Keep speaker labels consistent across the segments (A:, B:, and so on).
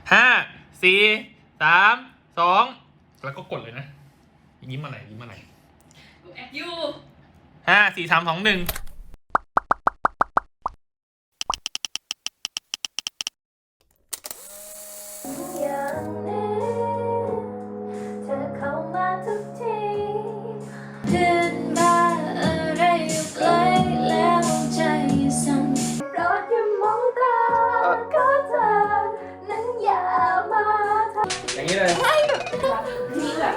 A: 5 4 3 2แล้วก็กดเลยนะยิ้มอะไรยิ้มอะไร
B: กูแอบอยู่
A: 5 4 3 2 1อย่างนี้เลย
B: นี่แบบ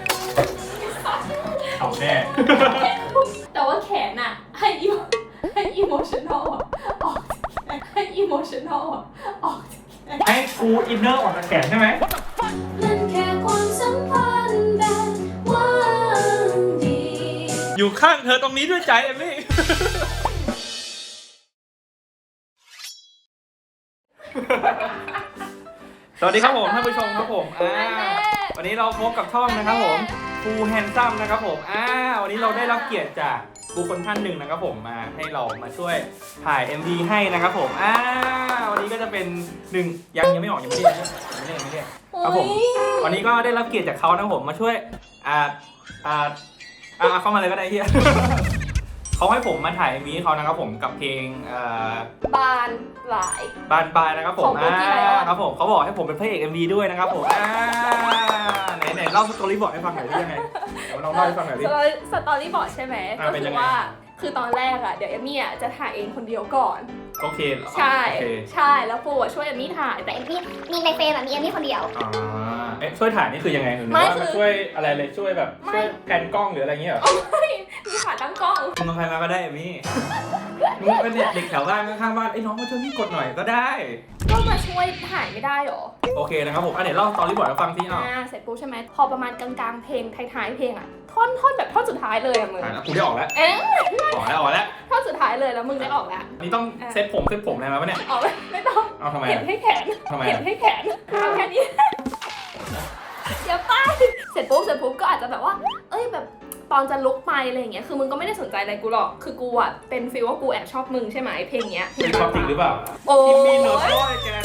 A: เอาแน่
B: แต่ว่าแขนอะให้อิโมชันอลออกให้อิโมชันอลออก
A: ให้กูอินเนอร์ออกจากแขนใช่ไหม
B: มันแค่ความสัมพันธ์แบบว่างดี
A: อยู่ข้างเธอตรงนี้ด้วยใจเอมมี่สวัสดีครับผมท่านผู้ชมครับผมวันนี้เราพบกับช่องนะครับผมฟูแฮนซัมนะครับผมวันนี้เราได้รับเกียรติจากบุคคลท่านหนึ่งนะครับผมมาให้เรามาช่วยถ่าย MV ให้นะครับผมวันนี้ก็จะเป็นหนึ่งยังไม่ออกยังไม่ได้ครับผมวันนี้ก็ได้รับเกียรติจากเขานะครับผมมาช่วยเข้ามาเลยก็ได้ที่ เขาให้ผมมาถ่าย MV ให้เขานะครับผมกับเพลง
B: บานปลาย
A: นะครับผมครับผมเขาบอกให้ผมเป็นพระเอก MV ด้วยนะครับผมไหนเล่าสตอรี่บอร์ดให้ฟังหน่อยได้ยังไงเราเล่าให้ฟังหน่อยดิ
B: สตอรี่บอร์ดใช่ไหมก็คือว่าคือตอนแรกอะเดี๋ยวเอมมี่จะถ่ายเองคนเดียวก่อน
A: โอเค
B: ใช่แล้วปูช่วยเอมมี่ถ่ายแต่เอมมี่มีในเฟรมมีเอมมี่คนเดียว
A: ช่วยถ่ายนี่คือยังไงหรือว่ามาช่วยอะไรเลยช่วยแบบช่วยแผนกล้องหรืออะไรเงี้ยหรอ
B: ไม่มีขาตั้งกล้อง
A: มึงใครมาก็ได้เอมมี่มึงเป็นเด็กแถวบ้านข้างๆบ้านไอ้น้องมาช่วยพี่กดหน่อยก็ได้
B: ก็มาช่วยถ่ายไม่ได้หรอ
A: โอเคนะครับผมเดี๋ยวเล่าสตอรี่บอร์ดให้ฟังสิ
B: เสร็จปุ๊บใช่ไหมพอประมาณกลางๆเพลงท้ายๆเพลงอะท่อนแบบท่อนสุดท้ายเลยอะมึง
A: กูได้ออกแล้วออกแล้ว
B: ท่อนสุดท้ายเลยแล้วมึงได้ออกแล้ว
A: นี่ต้องเซ็ตผมอะไรมาปะเนี่ย
B: ออกไม่ต้อง
A: เอาทำไม
B: เห็นให้แขนเห็นให้แขนเอาแค่นี้เดี๋ยวไปเสร็จปุ๊บก็อาจจะแบบว่าเอ้ยแบบตอนจะลุกไปอะไรอย่างเงี้ยคือมึงก็ไม่ได้สนใจอะไรกูหรอกคือกูอะเป็นฟีลว่ากูแอบชอบมึงใช่ไหมเพลงเนี้ย
A: เป็นความจริงหรือเปล่า
B: โอ้
A: ยมีโน้ตด้วยแก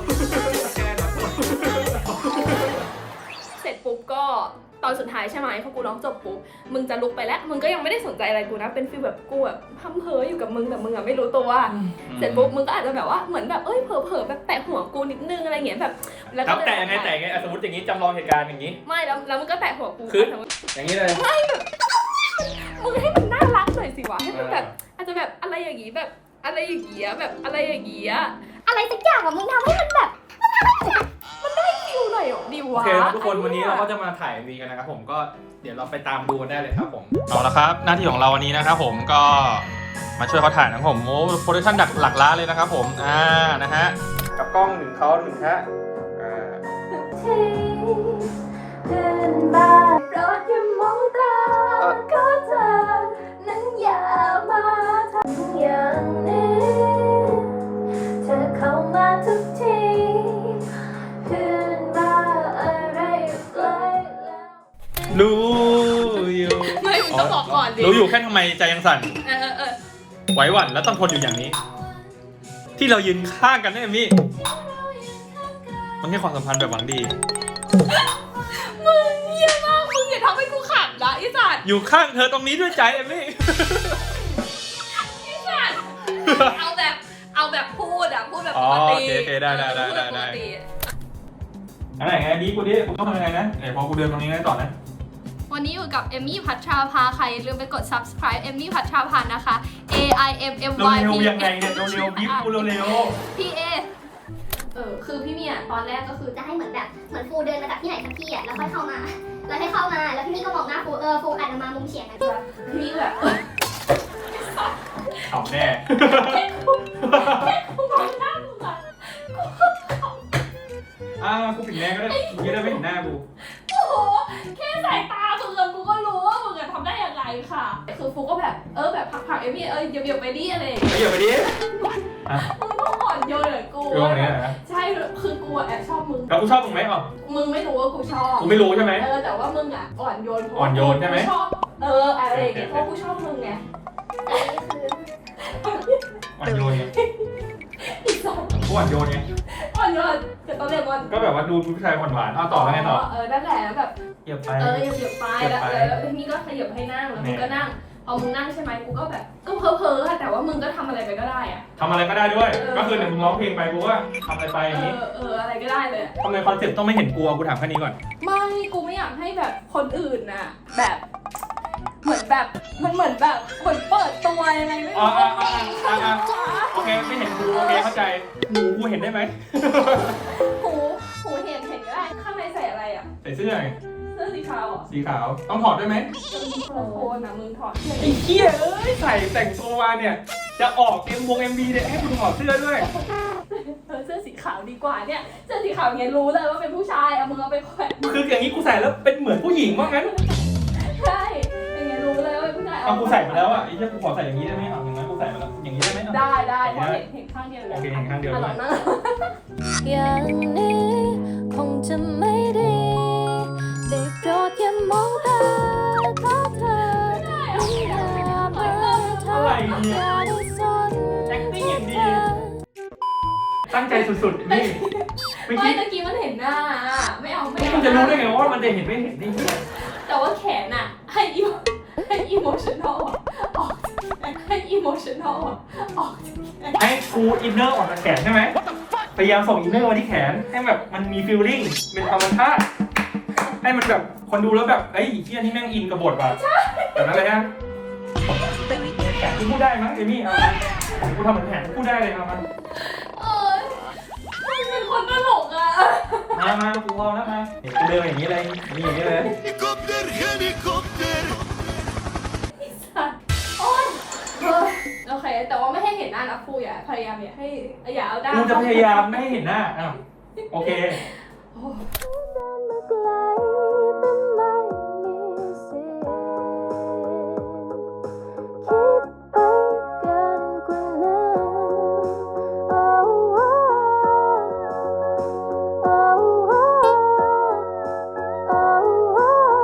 B: เสร็จปุ๊บก็ตอนสุดท้ายใช่ไหมพอกูร้องจบปุ๊บมึงจะลุกไปแล้วมึงก็ยังไม่ได้สนใจอะไรกูนะเป็นฟีลแบบกูแบบพั่มเพ้ออยู่กับมึงแต่มึงอะไม่รู้ตัวเสร็จปุ๊บมึงก็อาจจะแบบว่าเหมือนแบบเอ้ยเผลอแบบแตะหัวกูนิดนึงอะไรเงี้ยแบบ
A: แล้วก็แตะไงสมมติอย่างนี้จำลองเหตุการณ์อย่างนี้
B: ไม่แล้วมึงก็แตะหัวกู
A: คืออย่างนี้เลย
B: ไม่แบบมึงให้มันน่ารักหน่อยสิวะให้มันแบบอาจจะแบบอะไรอย่างงี้แบบอะไรอย่างเงี้ยแบบอะไรอย่างเงี้ยอะไรสักอย่างอะมึงทำให้มันแบบมันได้ฟิลหน่อยดิวะ
A: โอเคทุกคนวันนี้เราก็จะมาถ่ายวีกันนะครับผมก็เดี๋ยวเราไปตามดูกันได้เลยครับผมเอาละครับหน้าที่ของเราวันนี้นะครับผมก็มาช่วยเขาถ่ายนะครับผมโอ้โปรดักชั่นหลักล้านเลยนะครับผมนะฮะกับกล้องหนึ่งเขาหนึ่งฮะ
B: เดินบ้านรถอย่ามองตาก็เธอนั้นอย่ามาทำอย่างนี้เธอเข้ามาทุกทีเดินมาอะไรไกลแล้ว
A: รู้อยู่
B: ไม่ต้องบอกก่อนดิ
A: รู้อยู่แค่ทำไมใจยังสั่นไหวหวั่นแล้วต้องทนอยู่อย่างนี้ที่เรายืนข้างกันนะเอมมี่มันแค่ความสัมพันธ์แบบหวังดี
B: มึงเยี่ยมากมึงอย่าทำให้กูขำนะไอ้สัตว์
A: อยู่ข้างเธอตรงนี้ด้วยใจเอมมี่
B: ไอ้สัตว์เอาแบบพูดแบบปกติ
A: โอเคได้อะไรไงดีกูดิกูต้องทำยังไงนะพอกูเดินตรงนี้ได้ต่อนะ
B: วันนี้อยู่กับเอมมี่พัชราภาใครลืมไปกด subscribe เอมมี่พัชราภานะคะ AIMMY
A: เร็วยังไงเนี่ยเร็วบิ๊กกูเร็ว
B: PA คือพี่เมียตอนแรกก็คือ
C: จะให้เหมือนฟูเดินมาจากที่ไหนสักที่อ่ะแล้วค่อยเข้ามาแล้วพี่มี่ก็มองหน้าฟูอาจจะมามุมเฉียงนะ
B: พี่มี่แบบ
A: เอาแน่
B: กูมองหน้ามึงอ่ะ
A: กูปิดแน่ก็ได้มึงจะได้ไม่เห็นหน้ากู
B: โอ้โหแค่สายตามึงกูก็รู้ว่ามึงทำได้อย่างไรค่ะคือฟูก็แบบแบบผักเอมี่เดี๋ยวไปดิอะไร
A: เดี๋ยวไปดิ
B: มึงต้องอ่อนโยนเลยกูใช่คือกูแอบชอบมึง
A: แล้วกูชอบมึงไหมอ่ะ
B: มึงไม่รู้ว่ากูชอบ
A: กูไม่รู้ใช่ไหม
B: แต่ว่ามึงอ่ะอ่อนโยน
A: ใช่ไหม
B: ชอบอะไรอย่างเงี้ยเพราะกูชอบมึงไง
A: อ่อนโยนไงกูอ่อนโยนไง
B: อ่อนยอดกับต้นเลมอน
A: ก็แบบว่าดูผู้ชายหวานๆเอาต่อแล้วไงต่อ
B: นั่นแหละแบบ
A: เหยียบไป
B: เหยียบไปแล้วพี่นี่ก็ขยับให้นั่งแล้วมึงก็นั่งพอมึงนั่งใช่ไหมกูก็แบบก็เพ้อๆแต่ว่ามึงก็ทำอะไรไปก็ได้อะ
A: ทำอะไรก็ได้ด้วย ก็คือเดี๋ยวมึงร้องเพลงไปกูว่าทำอะไรไปอย่างนี้
B: อะไรก็ได้เลย
A: ทำไมคอนเซ็ปต์ต้องไม่เห็นกูกูถามแค่นี้ก่อน
B: ไม่กูไม่อยากให้แบบคนอื่นน่ะแบบเหมือนแบบมันเหมือนแบบเหมือนเปิดตัวยังไงไม่รู้
A: โอเคไม่เห็นกูโอเคเข้าใจหูกูเห็นได้ไหม
B: หูเห็นก็ได้ข้างในใส่อะไรอ่ะ
A: ใส่เสื้อไง
B: เสื้อสีขาวอ่ะ
A: สีขาวต้องถอดด้วยไหม
B: โคนนะมึงถอด
A: ไอ้เหี้ยเอ้ยใส่แต่งตัวมาเนี่ยจะออกMV เนี่ยให้คุณถอดเสื้อด้วย
B: เสื้อสีขาวดีกว่าเนี่ยเสื้อสีขาวเงี้ยรู้เลยว่าเป็นผู้ชายเอามึงเอาไปแขวน
A: คืออย่างนี้กูใส่แล้วเป็นเหมือนผู้หญิงว่างั้น
B: ใช่อย่างเงี้ยรู้เลยว่าเป็นผู้ชาย
A: เอากูใส่มาแล้วอ่ะไอ้เหี้ยกูขอใส่อย่างนี้ได้ไหมเอาอย่างนั้นกูใส่มาแล้วอย่างนี้ได้ไหม
B: ได้เพราะเห็นข้างเดียวเลย
A: โอเคเห็นข้างเดียว
B: ห
A: ด้
B: ลั
A: วย
B: งนั่ง
D: อย่างนี้คงจะไม่ดีได้โปรดอย่ามองตาขอเธออย่ามาทำอย่าได้สน
A: acting อย่างดีตั้งใจสุดๆนี่เมื่อ
B: ไม่
A: กี้
B: ตะกี้มันเห็นหน้าไม่เอา
A: กูจะรู้ได้ไงว่ามันจะเห็นไม่เห็นนี่
B: แต่ว่าแขนอะให้อิโมชันอลออกให้อิโมชันอลออก
A: ให้กูอินเนอร์ออกจากแขนใช่ไหมพยายามส่งอินเนอร์มาที่แขนให้แบบมันมีฟีลลิ่งเป็นธรรมชาติให้มันแบบคนดูแล้วแบบเอ้ยเฮียนี่แม่งอินกับบทว่ะแบบนั้นเลยฮะแขนกูพูดได้มั้งเอมี่เอากูทำเหมือนแขนกูพูดได้เลยเอามา
B: เป็นคนตลกอะ
A: มากูพอแล้วมาเห็นกูเดินอย่างนี้เลยนี่อย่างนี้เลย
E: Helikopter, helikopter.
B: โอเคแต่ว่าไม่ให้เห็นหน้านะครูอย่าพยายามอย่าเอาด้าน
A: กูจะพยายามไม่ให้เห็นหน้าอ้าวโอเค
D: มาไกลแต่ไม่มีสิทธิ์คิดไปเกินกว่านั้นโอ้โอ้โอ้โอ้โอ้โอ้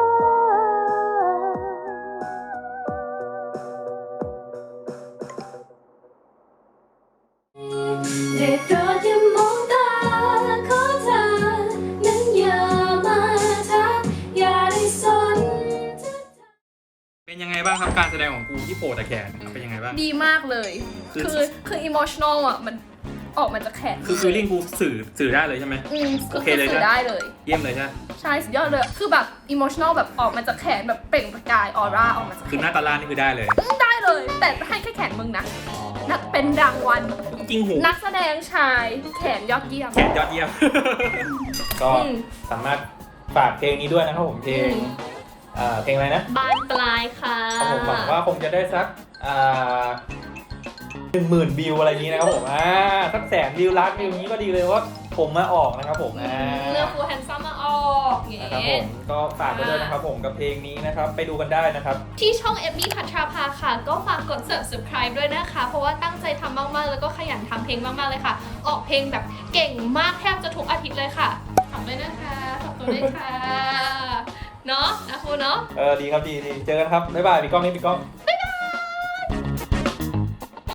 B: ได้โปรดอย่ามองตาขอเธอนั้นอย่ามาทักอย่าได้สน
A: เป็นยังไงบ้างครับการแสดงของกูที่โผล่แต่แขนเป็นยังไงบ้าง
B: ดีมากเลย คือ emotional อ่ะมันออกมาจากแขน
A: คือฟีลลิ่งกูสื่อได้เลยใช่ไหม โอเคเลย
B: สื่อได้เลย
A: เยี่ยมเลยใช่ไหม
B: ใช่สุดยอดเลย คือแบบ emotional แบบออกมาจากแขนแบบเปล่งประกายออร่าออกมาจากแข
A: คือหน้าน ตาล่านี่คือได้เลย
B: ได้เลย แต่ให้แค่แขนมึงนะนักเป็นรางวัล
A: จริงหู
B: นักแสดงชายแขนยอดเยี่ยม
A: แขนยอดเยี่ยม ก็สามารถฝากเพลงนี้ด้วยนะครับผมเพลงเพลงอะไรนะ
B: บานปลายค่ะ
A: ครับผมหวังว่าคงจะได้สัก10,000 วิวอะไรอย่างนี้นะครับผมสัก100,000 วิวล้านวิวนี้ก็ดีเลยว่าผมมาออกนะครับผม
B: เลือกฟูแฮนซัมมาออกเงี้
A: นะครับผมก็ฝากไว้ด้วยนะครับผมกับเพลงนี้นะครับไปดูกันได้นะครับ
F: ที่ช่องเอมมี่พัทราภาค่ะ ก็ฝากกด subscribe ด้วยนะคะ เพราะว่าตั้งใจทำมากๆ แล้วก็ขยันทำเพลงมากๆเลยค่ะ ออกเพลงแบบเก่งมากแทบจะทุกอาทิตย์เลยค่ะฝากด้วยนะคะฝากตัวด้วยค่ะ เนาะนะครูเนาะ
A: ดีครับดีเจอกันครับบ๊ายบายพี่ก้องนี่พี่ก้อง